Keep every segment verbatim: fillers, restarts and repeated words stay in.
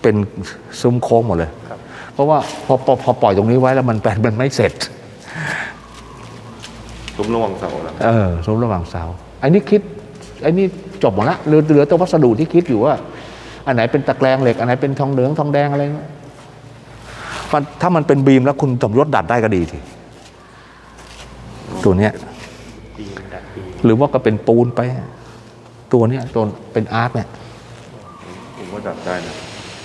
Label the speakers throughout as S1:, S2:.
S1: เป็นซุ้มโค้งหมดเลยเพราะว่าพอพอพอปล่อยตรงนี้ไว้แล้วมันแปลนมันไม่เสร็จ
S2: ซุ้มระหว่างเสาแล้ว
S1: เออซุ้มระหว่างเสาไอ้นี่คิดไอ้นี่จบหมดละเหลือเหลือตัววัสดุที่คิดอยู่ว่าอันไหนเป็นตะแกรงเหล็กอันไหนเป็นทองเหลืองทองแดงอะไรมันถ้ามันเป็นบีมแล้วคุณสมยศดัดได้ก็ดีทีตัวเนี้ยหรือว่าก็เป็นปูนไปตัวเนี้ยตัวเป็นอาร์ตเนี่ย
S2: ผมว่าดัดได้นะ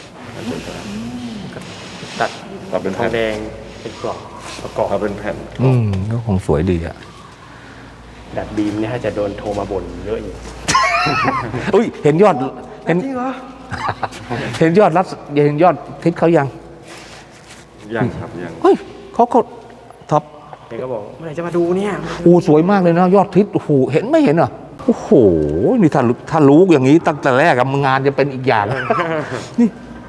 S3: ตัด
S2: ตัดเป็น
S3: ทองแดงเป็นกรอบประกอบ
S2: ถ้าเป็นแผ่น
S1: อืมก็คงสวยดีอ่ะ
S3: ดัดบีมเนี่ยถ้าจะโดนโทรมาบ่นเยอะอยู่
S1: อุ้ยเห็นยอดเห็น
S3: จริงเหรอ
S1: เห็นยอดรัดเห็นยอดทิศเขายัง
S2: ยังครับยัง
S1: เฮ้ยเขาเขาท็อป
S3: เด็กก็บอกเมื่อไหร่จะมาดูเนี่ย
S1: โอ้สวยมากเลยนะยอดทิศโอ้โหเห็นไม่เห็นเหรอโอ้โหนี่ถ้าถ้ารู้อย่างนี้ตั้งแต่แรกงานจะเป็นอีกอย่างนี่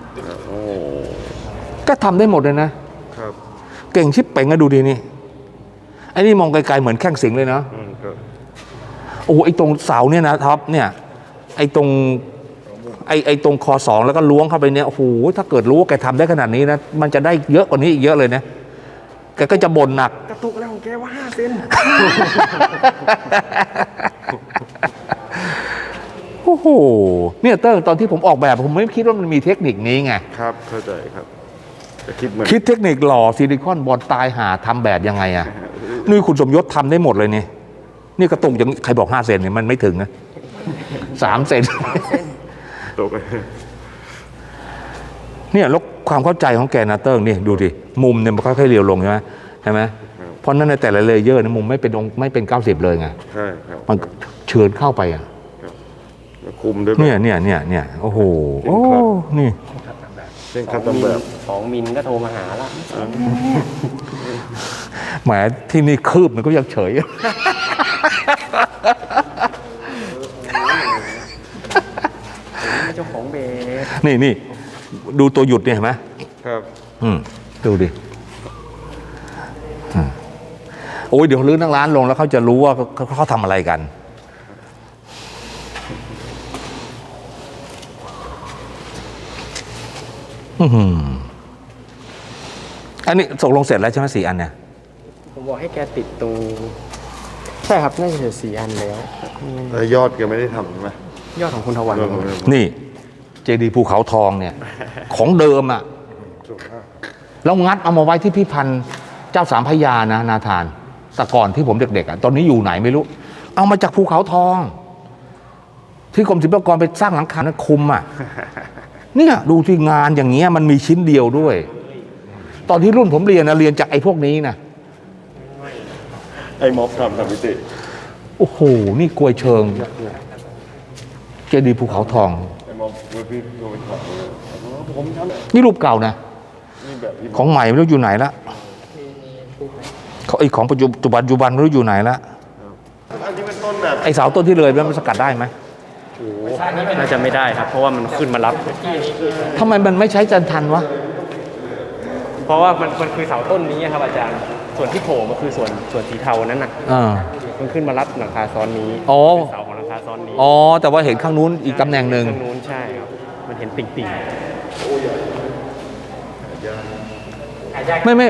S1: ก็ทำได้หมดเลยนะครับเก่งชิบเป่งอะดูดีนี่ไอ้นี่มองไกลๆเหมือนแข้งสิงเลยนะโอ้ไอ้ตรงเสาเนี่ยนะท็อปเนี่ยไอ้ตรงไอ้ไอ้ตรงคอสองแล้วก็ล้วงเข้าไปเนี่ยโอ้โหถ้าเกิดรู้ว่าแกทำได้ขนาดนี้นะมันจะได้เยอะกว่านี้อีกเยอะเลยนะแกก็จะบ่นหนัก
S3: กระตุกแล้วของแกว่าห้าเซน
S1: โอ้โหเนี่ยเติ้งตอนที่ผมออกแบบผมไม่คิดว่ามันมีเทคนิคนี้ไง
S2: ครับเข้าใจครับคิดเหมือน
S1: คิดเทคนิคหล่อซิลิคอนบอลตายหาทำแบบยังไงอ่ะนี่คุณสมยศทำได้หมดเลยนี่นี่กระตุกอย่างใครบอกห้าเซนเนี่ยมันไม่ถึงนะสามเซน
S2: ตก
S1: เนี่ยแล้วความเข้าใจของแกนะเติ้งนี่ดูดิมุมเนี่ยมันค่อยๆเรียวลงใช่ไหมใช่ไหมเพราะนั้นในแต่ละเลเยอร์นะมุมไม่เป็นองไม่เป็นเก้าสิบเลยไง
S2: ใช่ครับ
S1: มันเชิญเข้าไปอ่ะ
S2: คุมด้วย
S1: เนี่ยเนี่ยเนี่ยเนี่ยโอ้โหโอ้นี่
S2: เส้นคัดแบบ
S3: สองมิลก็โทรมาหาละ
S1: แหมที่นี่คืบมันก็ยังเฉย
S3: เจ้าของเบส
S1: นี่นี่ดูตัวหยุดเนี่ยเห็นไหม
S2: ครับ
S1: อืมดูดิโอ้ยเดี๋ยวลื้อนั่งร้านลงแล้วเขาจะรู้ว่าเขาทำอะไรกันอืมอันนี้ส่งลงเสร็จแล้วใช่ไหมสี่อันเนี่ย
S3: ผมบอกให้แกติดตรงใช่ครับน่าจะเสร็จสี่อันแล้ว
S2: แล้วยอดแกไม่ได้ทำใช่ไหม
S3: ยอดของคุณทวัน
S1: นี่เจดีย์ภูเขาทองเนี่ยของเดิมอ่ะแล้วงัดเอามาไว้ที่พิพิธภัณฑ์เจ้าสามพระยานะนาธานแต่ก่อนที่ผมเด็กๆอ่ะตอนนี้อยู่ไหนไม่รู้เอามาจากภูเขาทองที่กรมศิลปากรไปสร้างหลังคานะคุมอ่ะเนี่ยดูที่งานอย่างเงี้ยมันมีชิ้นเดียวด้วยตอนที่รุ่นผมเรียนนะเรียนจากไอ้พวกนี้นะ
S2: ไอ้ม็อบทำทำพิธี
S1: โอ้โหนี่กลวยเชิงเจดีย์ภูเขาทอง
S2: ไอ้ม็อบพี่โดนถอดผมทำ
S1: นี่รูปเก่านะของใหม่ไม่รู้อยู่ไหนละเขาไอ้ของปัจจุบันปัจจุบันไม่รู้อยู่ไหนละ
S2: อันนี้เป็นต้นแบบ
S1: ไอ้เสาต้นที่เลยมันสกัดได้ไหม
S3: น่าจะไม่ได้ครับเพราะว่ามันขึ้นมารับ
S1: ทำไมมันไม่ใช้จันทันวะ
S3: เพราะว่ามันมันคือเสาต้นนี้ครับอาจารย์ส่วนที่โผล่มันคือส่วนส่วนสีเทานั้นน่ะมันขึ้นมารับหลังคาซ้อนนี้
S1: อ๋อ
S3: เสาของหลังคาซ้อนนี้
S1: อ๋อแต่ว่าเห็นข้างนู้นอีกตำแหน่งหนึ่ง
S3: ข้างนู้นใช่ครับมันเห็นติ่ง
S1: ๆไม่ไม่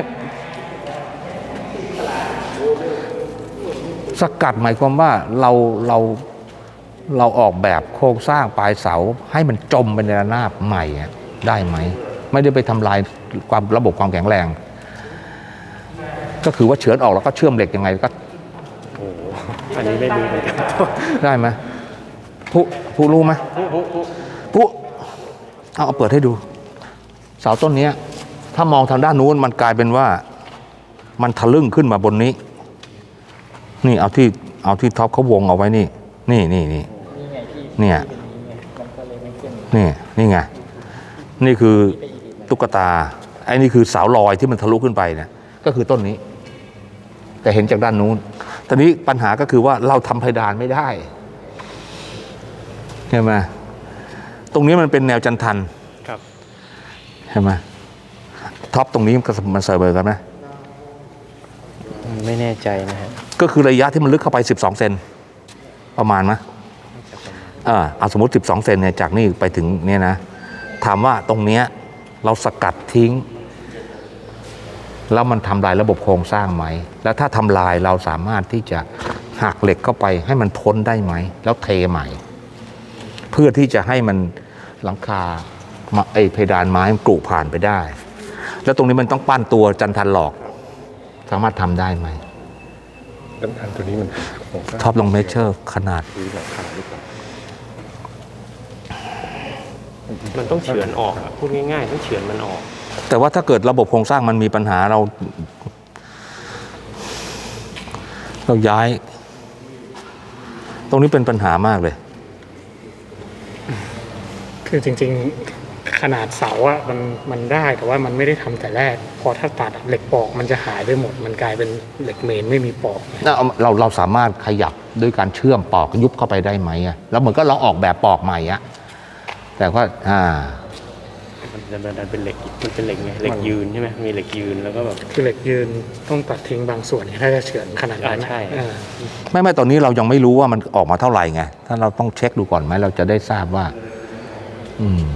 S1: สกัดหมายความว่าเราเราเราออกแบบโครงสร้างปลายเสาให้มันจมเป็นระนาบใหม่ได้ไหมไม่ได้ไปทำลายความระบบความแข็งแรงก็คือว่าเฉือนออกแล้วก็เชื่อมเหล็กยังไงก็
S3: โอ้อันนี้ไม่รู้เหมือนกัน
S1: ได้ไหมผู้ผู้รู้ไหม
S3: ผู้ผู้
S1: ผู้เอาเอาเปิดให้ดูเสาต้นนี้ถ้ามองทางด้านนู้นมันกลายเป็นว่ามันทะลึ่งขึ้นมาบนนี้นี่เอาที่เอาที่ท็อปเขาวงเอาไว้นี่นี่นี่นี่เนี่ยนี่นี่ไงนี่คือตุ๊กตาไอ้นี่คือสาวลอยที่มันทะลุขึ้นไปเนี่ยก็คือต้นนี้แต่เห็นจากด้านนู้นตอนนี้ปัญหาก็คือว่าเราทำเพดานไม่ได้ใช่ไหมตรงนี้มันเป็นแนวจันทัน
S3: ครับ
S1: ใช่ไหมท็อปตรงนี้มันเซอร์เบอร์กันไหม
S3: ไม่แน่ใจนะฮะ
S1: ก็คือระยะที่มันลึกเข้าไปสิบสองเซนประมาณไหมอ่าเอาสมมติสิบสองเซนเนี่ยจากนี่ไปถึงเนี่ยนะถามว่าตรงเนี้ยเราสกัดทิ้ง แล้วมันทำลายระบบโครงสร้างไหมแล้วถ้าทำลายเราสามารถที่จะหักเหล็กเข้าไปให้มันพ้นได้ไหมแล้วเทใหม่ เพื่อที่จะให้มันหลังคาไอเพดานไม้มันกรุผ่านไปได้ แล้วตรงนี้มันต้องปั้นตัวจันทันหลอกสามารถทำได้ไหม
S2: น้ำทันตัวนี้มันโครงสร้าง
S1: ท็อปลองเมเชอร์ขนาด
S2: หรือหลังคาหรือเปล่า
S3: มันต้องเฉือนออกอะพูดง่ายๆต้องเฉือนมันออก
S1: แต่ว่าถ้าเกิดระบบโครงสร้างมันมีปัญหาเรา เราย้าย ตรงนี้เป็นปัญหามากเลย
S4: คือจริงๆขนาดเสาอะมันมันได้แต่ว่ามันไม่ได้ทำแต่แรก พอถ้าตัดอะเหล็กปอกมันจะหายไปหมด มันกลายเป็นเหล็กเมนไม่มีปอก
S1: เราเราสามารถขยับด้วยการเชื่อมปอกยุบเข้าไปได้ไหมอะแล้วเหมือนก็เราออกแบบปอกใหม่อะแต่ว่าอ่า
S3: มันจะมันเป็นเหล็กมันเป็นเหล็กไงเหล็กยืนใช่ไหมมีเหล็กยืนแล้วก็แบบ
S4: คือเหล็กยืนต้องตัดทิ้งบางส่วนเนี่ยถ้าจะเฉือนขนาดนั้น
S3: อ่าใช่
S4: เออ
S1: ไม่ไม่ตอนนี้เรายังไม่รู้ว่ามันออกมาเท่าไหร่ไงถ้าเราต้องเช็คดูก่อนไหมเราจะได้ทราบว่า อืม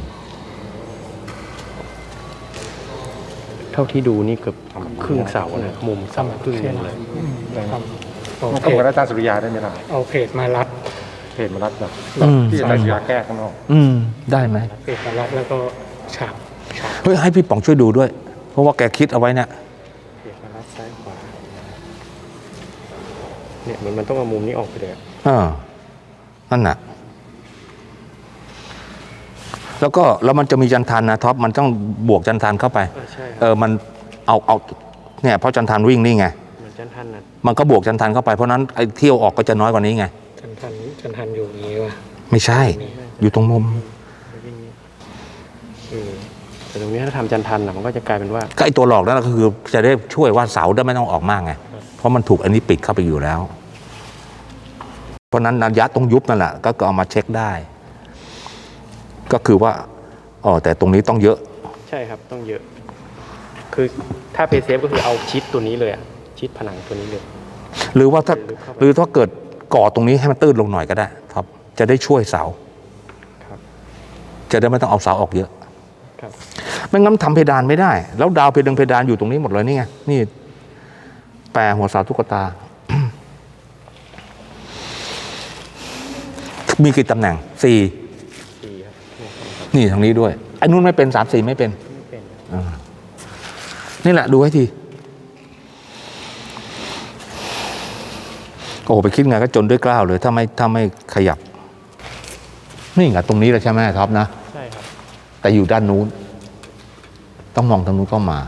S3: เท่าที่ดูนี่เกือบครึ่งเสาเนี่ยมุมเสาครึ่งหนึงเลย
S4: ทำเอา
S2: มัน
S4: เพ
S2: ต้องกับ
S4: จ
S2: อาจารย์สุริยาได้ไหมล่ะ
S4: เอาเพจมารัด
S2: เพจมารัดแบบ
S1: อืม
S2: ที่อาจารย์สุริยาแก้ข้างนอก
S1: อืม ได้ไหม
S4: เพจมารัดแล้วก็ฉาบฉาบ
S1: เฮ้ยให้พี่ป๋องช่วยดูด้วย เพราะว่าแกคิดเอาไว้เนี่ย
S3: เพจมารัดซ้ายขวาเนี่ยมันมันต้องเอามุมนี้ออกไปเลยอะ
S1: เออนั่นน่ะ แล้วก็แล้วมันจะมีจันทันนะท็อปมันต้องบวกจันทันเข้าไป
S3: อ่าใช่ค
S1: เอ
S3: รับ
S1: อมันเอาเอาเนี่ยเพราะจันทันวิ่งนี่ไง
S3: เหมือนจันทันนะ
S1: มันก็บวกจันทันเข้าไปเพราะนั้นไอ้เที่ยวออกก็จะน้อยกว่านี้ไง
S4: จันทันจันทันอยู่อย่างนี้ว่ะ
S1: ไม่ใช่ อยู่ตรงมุม
S3: เออแต่ตรงนี้ถ้าทำจันทันนะมันก็จะกลายเป็นว่า
S1: ก็ไอ้ตัวหลอกนั่นก็คือจะได้ช่วยว่าเสาได้ไม่ต้องออกมากไงเพราะมันถูกอันนี้ปิดเข้าไปอยู่แล้ว เพราะนั้นนันยัดตรงยุบนั่นแหละก็เอามาเช็คได้ ก็คือว่าอ๋อแต่ตรงนี้ต้องเยอะ
S3: ใช่ครับต้องเยอะ คือถ้าเพย์เซฟก็คือเอาชิดตัวนี้เลยอะชิดผนังตัวนี้เลย
S1: หรือว่าถ้า
S3: ลึกเข้าไป
S1: หรือถ้าเกิดก่อตรงนี้ให้มันตื้นลงหน่อยก็ได้ครับ จะได้ช่วยเสา
S3: ครับ
S1: จะได้ไม่ต้องเอาเสาออกเยอะ
S3: ครับ
S1: ไม่งั้นทำเพดานไม่ได้ แล้วดาวเพดานเพดานอยู่ตรงนี้หมดเลยนี่ไงนี่แปรหัวเสาตุ๊กตา มีกี่ตำแหน่งสี่
S3: ดีครับเนี่ยครับ
S1: นี่ทางนี้ด้วยไอ้นู้นไม่เป็นสามสี่ไม่เป็น
S3: ไม่เป็น
S1: อ่านี่แหละดูให้ทีโอ้โหไปคิดไงก็จนด้วยกล้าวเลย ถ้าไม่ถ้าไม่ขยับ นี่ไงตรงนี้แหละใช่ไหมท็อปนะ
S3: ใช่ครับ
S1: แต่อยู่ด้านนู้น ต้องมองทางนู้นเข้ามา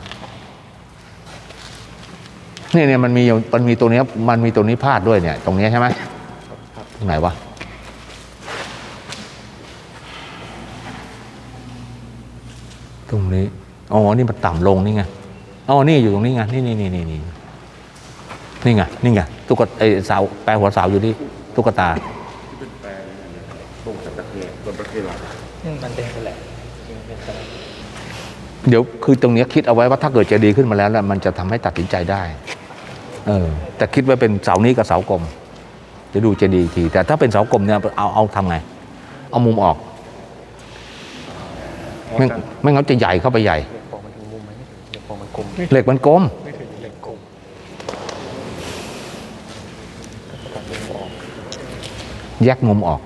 S1: เนี่ยเนี่ยมันมีมันมีตัวเนี้ยมันมีตัวนี้พาดด้วยเนี่ย ตรงเนี้ยใช่ไหมตรงไหนวะตรงนี้อ๋อนี่มันต่ำลงนี่ไงอ๋อนี่อยู่ตรงนี้ไงนี่นี่นี่นี่นี่นี่ไงนี่ไงตุ๊กตาไอเสาแปลหัวเสาอยู่ที่ตุ๊กตา
S2: ตรงจากตะเกียบนตะเกียบหลัง
S3: มันเป็นแหละเป็นแหละ
S1: เดี๋ยวคือตรงเนี้ยคิดเอาไว้ว่าถ้าเกิดเจดีย์ขึ้นมาแล้วแล้วมันจะทำให้ตัดสินใจได้ เออ แต่คิดไว้เป็นเสานี้กับเสากลมจะดูเจดีย์อีกที แต่ถ้าเป็นเสากลมเนี่ยเอาเอาทำไง เอามุมออก ไม่ไม่งั้นจะใหญ่เข้าไปใหญ่
S3: เดี๋ยวฟองมันถึงมุมไหมเดี๋ยวฟองมันกลม
S1: เหล็กมันกลม
S4: ไม่ถึงเหล็กกลม
S3: ตัดมุมออก
S1: แยกมุมออก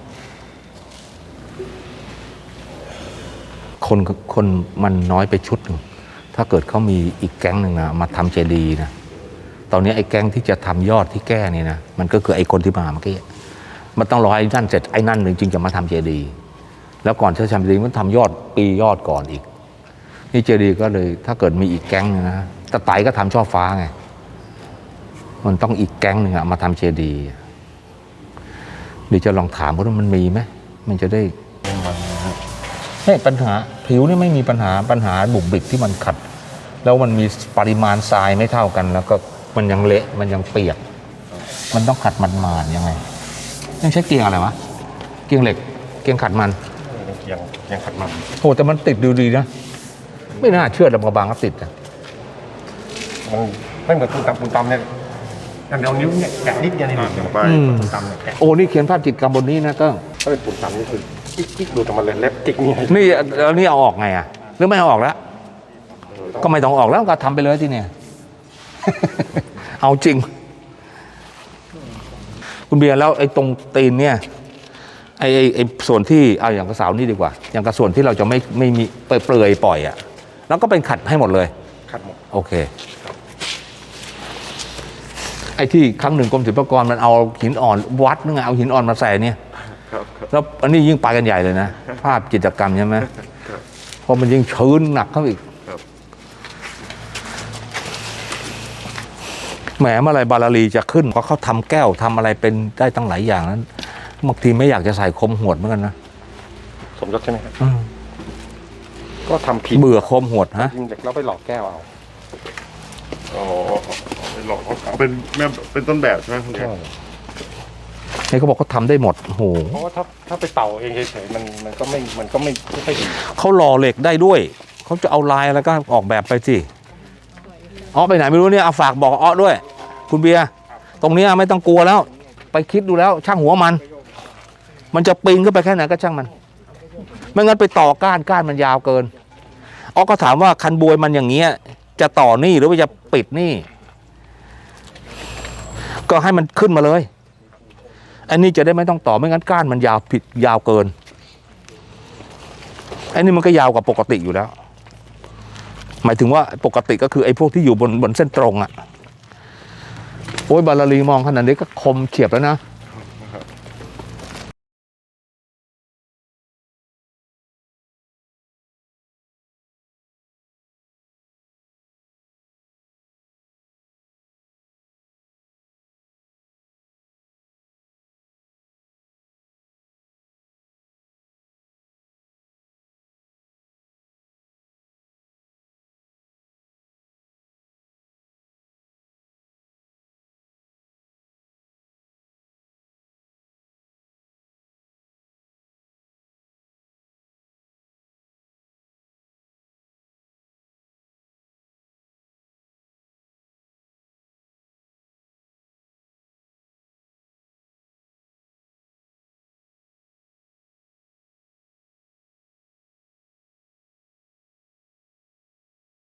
S1: คนคนมันน้อยไปชุดหนึ่งถ้าเกิดเขามีอีกแก๊งหนึ่งนะมาทำเจดีย์นะตอนนี้ไอ้แก๊งที่จะทำยอดที่แก้นี่นะมันก็คือไอ้คนที่มาเมื่อกี้มันต้องรอไอ้นั่นเสร็จไอ้นั่นหนึ่งจึงจะมาทำเจดีย์แล้วก่อนที่จะทำเจดีย์มันทำยอดปียอดก่อนอีกนี่เจดีย์ก็เลย ถ้าเกิดมีอีกแก๊งนึงนะตะไตก็ทำช่อฟ้าไงมันต้องอีกแก๊งหนึ่งอะมาทำเจดีย์เดี๋ยวจะลองถามว่ามันมีไหมมันจะได้ไม่ปัญหาผิวนี่ไม่มีปัญหาปัญหาบุบบิกที่มันขัด แล้วมันมีปริมาณทรายไม่เท่ากัน แล้วก็มันยังเละมันยังเปียก มันต้องขัดมันมายังไงยังใช้เกียงอะไรวะเกียงเหล็กเกียงขัดมัน
S2: ยังยังขัดมัน
S1: โอ้แต่มันติดดูดีนะ ไม่น่าเชื่อลำกระบางก็ติดอ่ะ
S2: มันไม่เหมือนปูนตำปูนตำเนี่ยอันเดียวนิ้วเนี่ยแกะนิดเดียวนี่หนึ่งไปปูนตำเนี่ยแกะ
S1: โอ้นี่เขียนภาพจิตรกรรมบนนี้นะก็
S2: ถ้าเป็นปูนตำนี่คือกิ๊กดูแต่มันเลยเล็บจิกนี่
S1: นี่แล้วนี่เอาออกไงอ่ะหรือไม่เอาออกแล้ว ก็ไม่ต้องออกแล้วก็ทำไปเลยที่เนี่ย เอาจริง คุณเบียร์แล้วไอ้ตรงตีนเนี่ยไอ้ไอ้ไอ้ส่วนที่เอาอย่างกระเสานี่ดีกว่า อย่างกระส่วนที่เราจะไม่ไม่มีเปลือยเปลือยปล่อยอ่ะแล้วก็เป็นขัดให้หมดเลย
S2: ขัดหมด
S1: โอเค ไอ้ที่ครั้งหนึ่งกรมศิลปากรมันเอาหินอ่อนวัดนึงไงเอาหินอ่อนมาใส่เนี่ย
S2: ครับครับ
S1: แล้วอันนี้ยิ่งไปกันใหญ่เลยนะ ภาพจิตรกรรมใช่ไหม
S2: ครับ
S1: เพราะมันยิ่งชื้นหนักเข้าอีก
S2: ครับ
S1: แหมเมื่อไรบาลาลีจะขึ้นเพราะเขาทำแก้วทำอะไรเป็นได้ตั้งหลายอย่างนั้นบางทีไม่อยากจะใส่คมหวดเหมือนกันนะ
S2: สมยศใช่ไหมครับ
S1: อืม
S2: ก็ทำผิด
S1: เบื่อคมหวดฮะ
S2: ยิงเด็กแล้วไปหลอกแก้วเอา
S5: อ๋อเป็นหลอกเอาเป็นแม่เป็นต้นแบบใช่ไหมคุณเอก
S1: นี่เขาบอกเขาทำได้หมดโอ้โห
S2: เพราะว่าถ้าถ้าไปเป่าเองเฉยๆมันมันก็ไม่มันก็ไม่ไม่ค่อยดี
S1: เขาหล่อเหล็กได้ด้วยเขาจะเอาลายอะไรก็ออกแบบไปสิอ้อไปไหนไม่รู้เนี่ยเอาฝากบอกอ้อด้วย คุณเบียร์ตรงเนี้ยไม่ต้องกลัวแล้ว ไปคิดดูแล้ว ช่างหัวมัน มันจะปีนขึ้นไปแค่ไหนก็ช่างมันไม่งั้นไปต่อก้านก้านมันยาวเกินอ้อก็ถามว่าคันบวยมันอย่างเงี้ยจะต่อนี่หรือว่าจะปิดนี่ ก็ให้มันขึ้นมาเลย อันนี้จะได้ไม่ต้องต่อไม่งั้นก้านมันยาวผิดยาวเกินอันนี้มันก็ยาวกว่าปกติอยู่แล้ว หมายถึงว่าปกติก็คือไอ้พวกที่อยู่บนบนเส้นตรงอะ่ะโอ้ยบาลาลีมองขนาดนี้ก็คมเฉียบแล้วนะ